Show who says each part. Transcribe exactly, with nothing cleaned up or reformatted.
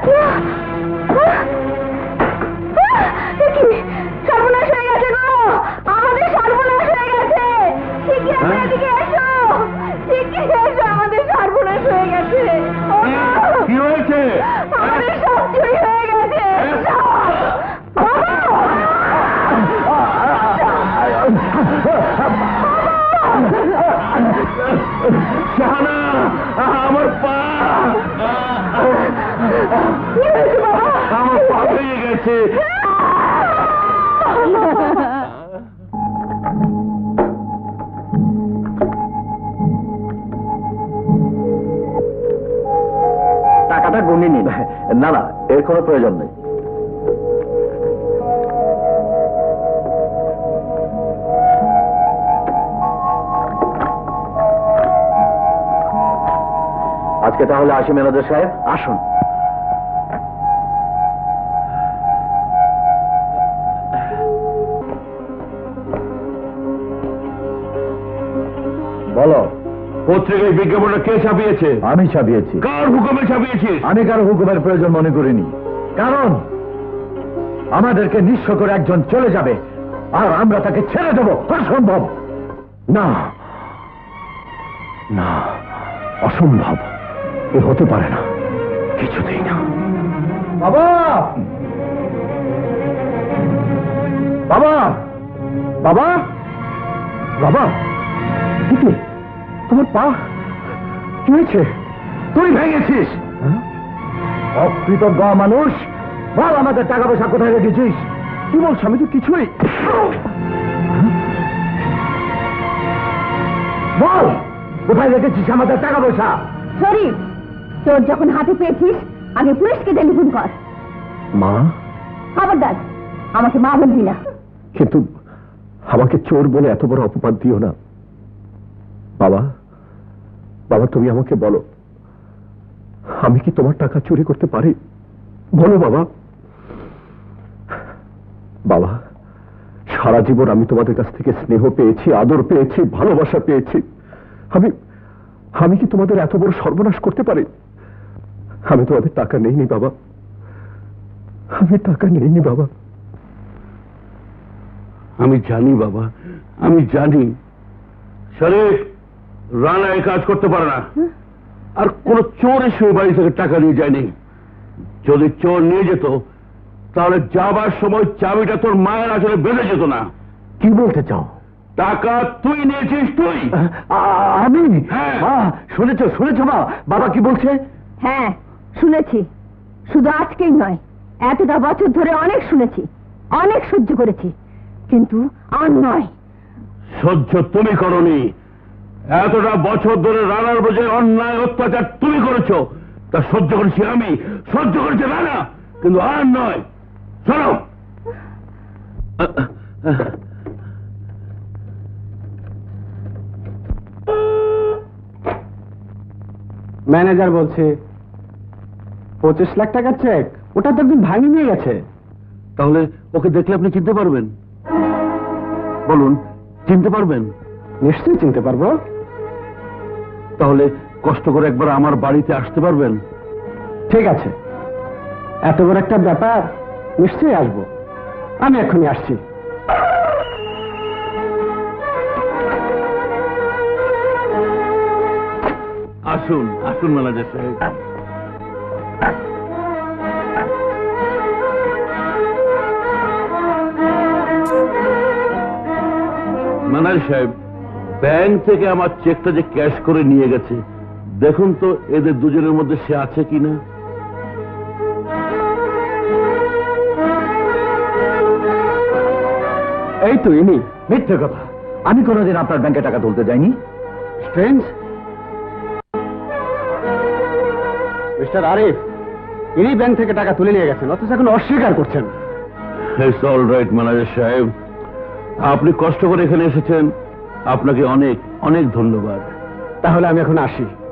Speaker 1: সর্বনাশ হয়ে গেছে গো, আমাদের সর্বনাশ হয়ে গেছে। শিগগির এদিকে এসো, শিগগির এসো, আমাদের সর্বনাশ হয়ে গেছে।
Speaker 2: কি হয়েছে?
Speaker 1: আমাদের সব চুরি হয়ে গেছে।
Speaker 2: শাহানা, আমার পা, আমার পা ভেঙে গেছে।
Speaker 3: টাকাটা গুনে নিন। না না, এর কোনো প্রয়োজন নেই। আজকে তাহলে আসি ম্যানেজার সাহেব। আসুন। বলো,
Speaker 2: পত্রিকায় বিজ্ঞাপনটা কে ছাপিয়েছে?
Speaker 3: আমি ছাপিয়েছি।
Speaker 2: কার হুকুমে ছাপিয়েছিস?
Speaker 3: আমি কারো হুকুমের প্রয়োজন মনে করিনি, কারণ আমাদেরকে নিঃস্ব করে একজন চলে যাবে আর আমরা তাকে ছেড়ে দেবো, অসম্ভব। না না, অসম্ভব, এ হতে পারে না, কিছুতেই না। বাবা, বাবা, বাবা, বাবা, কি তোমার পা কি হয়েছে? তুই ভেঙেছিস? অকৃতজ্ঞ মানুষ, বল আমাদের টাকা পয়সা কোথায় রেখেছিস? কি বলছো? আমি তো কিছুই। বল, কোথায় রেখেছিস আমাদের টাকা পয়সা?
Speaker 1: শরীফ, তোর যখন হাতে পেয়েছিস আগে পুলিশকে টেলিফোন কর।
Speaker 3: মা?
Speaker 1: খবরদার আমাকে মা বলবি না।
Speaker 3: কিন্তু আমাকে চোর বলে এত বড় অপবাদ দিও না। বাবা, বাবা, তুমি আমাকে বলো, আমি কি তোমার টাকা চুরি করতে পারি? বলো বাবা। বাবা, সারা জীবন আমি তোমাদের কাছ থেকে স্নেহ পেয়েছি, আদর পেয়েছি, ভালোবাসা পেয়েছি। আমি আমি কি তোমাদের এত বড় সর্বনাশ করতে পারি? আমি তোমাদের টাকা নেইনি বাবা, আমি টাকা নেইনি বাবা।
Speaker 2: আমি জানি বাবা, আমি জানি। শরীফ, রানা এই কাজ করতে পারে না, আর কোন চোর এসে বাড়ি থেকে টাকা নিয়ে যায়নি। যদি চোর নিয়ে যেত তাহলে যাবার সময় চাবিটা তোর মায়ের আসলে বেঁধে যেত না।
Speaker 3: কি বলতে চাও?
Speaker 2: টাকা তুই নিয়েছিস? তুই?
Speaker 3: আমি?
Speaker 2: হ্যাঁ।
Speaker 3: মা, শুনেছো শুনেছো মা, বাবা কি বলছে?
Speaker 1: হ্যাঁ শুনেছি, শুধু আজকেই নয়, এতটা বছর ধরে অনেক শুনেছি, অনেক সহ্য করেছি, কিন্তু আর নয়।
Speaker 2: সহ্য তুমি করনি, এতটা বছর ধরে রানার বোঝে অন্যায় অত্যাচার তুমি করেছো, তা সহ্য করেছি আমি, সহ্য করেছে রানা, কিন্তু আর নয়। শোনো,
Speaker 4: ম্যানেজার বলছে পঁচিশ লাখ টাকার চেক, ওটা তো একদিন ভাঙি নিয়ে গেছে।
Speaker 2: তাহলে ওকে দেখলে আপনি চিনতে পারবেন? বলুন, চিনতে পারবেন?
Speaker 4: নিশ্চয়ই চিনতে পারবো।
Speaker 2: তাহলে কষ্ট করে একবার আমার বাড়িতে আসতে পারবেন?
Speaker 4: ঠিক আছে, এত বড় একটা ব্যাপার, নিশ্চয়ই আসবো। আমি এখনই আসছি।
Speaker 2: আসুন আসুন ম্যানেজার সাহেব। ম্যানেজার সাহেব, ব্যাংক থেকে আমার চেকটা যে ক্যাশ করে নিয়ে গেছে, দেখুন তো এদের দুজনের মধ্যে সে আছে কিনা।
Speaker 3: এই তো ইনি। মিথ্যে কথা, আমি কোনোদিন আপনার ব্যাংকে টাকা তুলতে যাইনি।
Speaker 4: স্ট্রেঞ্জ। মিস্টার আরিফ, ইনি ব্যাংক থেকে টাকা তুলে নিয়ে গেছেন, অথচ এখন অস্বীকার করছেন।
Speaker 2: ইটস অল রাইট ম্যানেজার সাহেব, আপনি কষ্ট করে এখানে এসেছেন, আপনাকে অনেক অনেক ধন্যবাদ।
Speaker 4: তাহলে আমি এখন আসি।